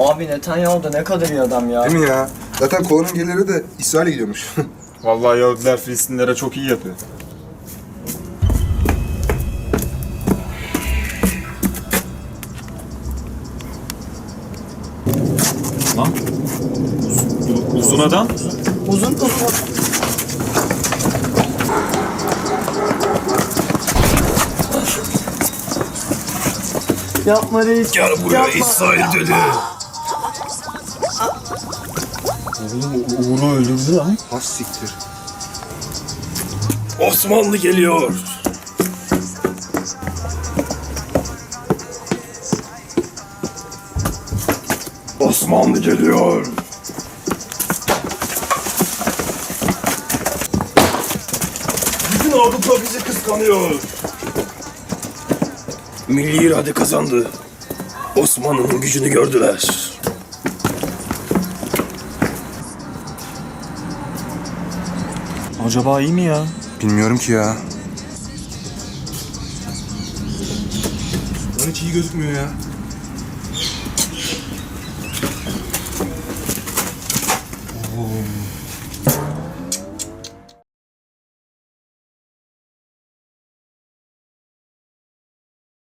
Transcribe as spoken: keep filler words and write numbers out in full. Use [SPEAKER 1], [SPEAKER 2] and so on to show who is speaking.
[SPEAKER 1] Abi Netanyahu da ne kadar iyi adam ya.
[SPEAKER 2] Değil mi ya? Zaten kolonun geliri de İsrail'e gidiyormuş.
[SPEAKER 3] Vallahi Yahudiler Filistinlere çok iyi yapıyor. Lan. Uz- uzun adam.
[SPEAKER 1] Uzun uzun. Yapma reis.
[SPEAKER 4] Gel buraya
[SPEAKER 1] Yapma.
[SPEAKER 4] İsrail dedi.
[SPEAKER 3] Uğur'u öldürdü lan.
[SPEAKER 2] Has siktir.
[SPEAKER 4] Osmanlı geliyor. Osmanlı geliyor. Bütün Avrupa bizi kıskanıyor. Milli irade kazandı. Osmanlı'nın gücünü gördüler.
[SPEAKER 3] Acaba iyi mi ya?
[SPEAKER 2] Bilmiyorum ki ya. Lan hiç iyi gözükmüyor ya. Oo.